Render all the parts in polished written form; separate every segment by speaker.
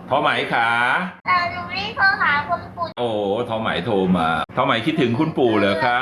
Speaker 1: ทอไหมขา
Speaker 2: หนูรีบโทรหาคุณปู่
Speaker 1: โอ้ทอไหมโทรมาทอไหมคิดถึงคุณปู่เหรอคะ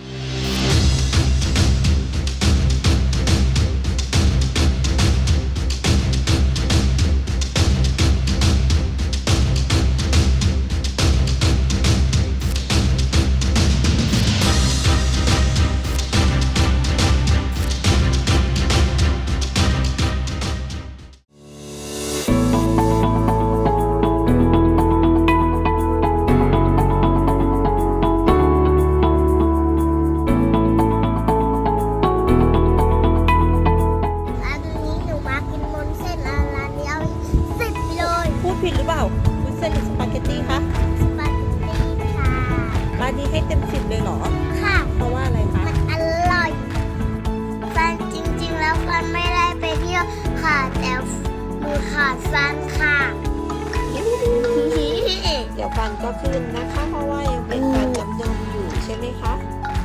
Speaker 2: ผิดหรือเปล่าวุ้นเส้นหรือสปาเกตตี้คะสปาเกตตี้ค่ะร้านนี้ให้เต็ม10เลยเหรอค่ะเพราะว่าอะไรคะมันอร่อยฟันจริงๆแล้วฟันไม่ได้ไปเที่ยวค่ะแต่มือขาดฟันค่ะเดี๋ยวฟันก็ขึ้นนะคะเพราะว่ายังเป็นฟันจำยมอยู่ใช่ไหมคะ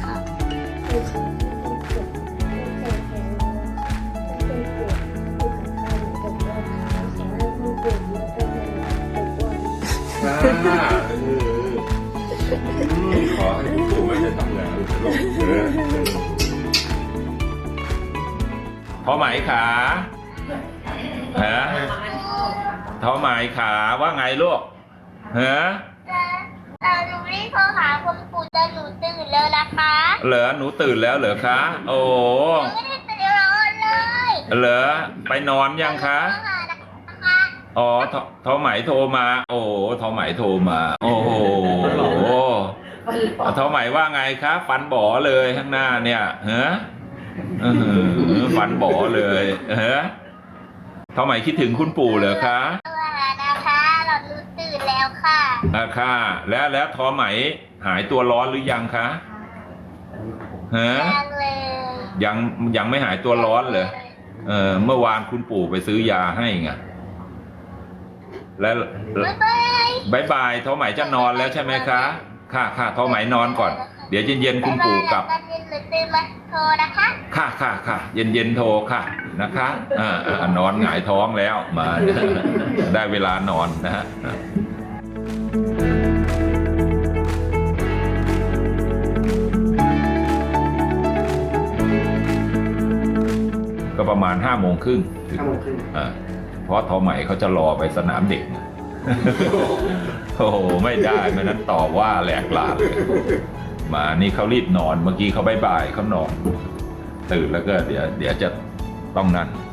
Speaker 1: ขอให้คุณปู่ไม่ได้ทำอย่างอื่นลูกทอไหมขาฮะทอไหมขาว่าไงลูกฮะ
Speaker 2: หนูรีบโทรหาคุณปู่แต่หนูตื่นแล้วนะคะ
Speaker 1: เหรอหนูตื่นแล้วเหรอคะโอ้
Speaker 2: หนูไม่ได้ตื่นเลย
Speaker 1: เหรอไปนอนยังคะอ๋อทอไหมโทรมาโอ้ทอไหมโทรมาโอ้โหทอไหมว่าไงคะฟันบ่อเลยข้างหน้าเนี่ยฮะฟันบ่อเลยฮะทอไหมคิดถึงคุณปู่เหรอคะ
Speaker 2: นะคะเราตื่นแล้วค่ะ
Speaker 1: ค่ะแล้วทอไหมหายตัวร้อนหรือยังคะฮะยังไม่หายตัวร้อนเลยเมื่อวานคุณปู่ไปซื้อยาให้ไงแล้วบายบายทอไหมจะนอนแล้วใช่ไหมคะค่ะทอไหมนอนก่อนเดี๋ยวเย็นๆคุณปู่กลับ
Speaker 2: โทรนะคะ
Speaker 1: ค่ะเย็นโทรค่ะนะคะนอนหงายท้องแล้วมาได้เวลานอนนะฮะก็ประมาณ5 โมงครึ่งเพราะทอไหมเขาจะรอไปสนามเด็กโอ้โหไม่ได้ไม่นั้นต่อว่าแหลกลาเลยมานี่เขารีบนอนเมื่อกี้เขาบายเขานอนตื่นแล้วก็เดี๋ยวจะต้องนั่น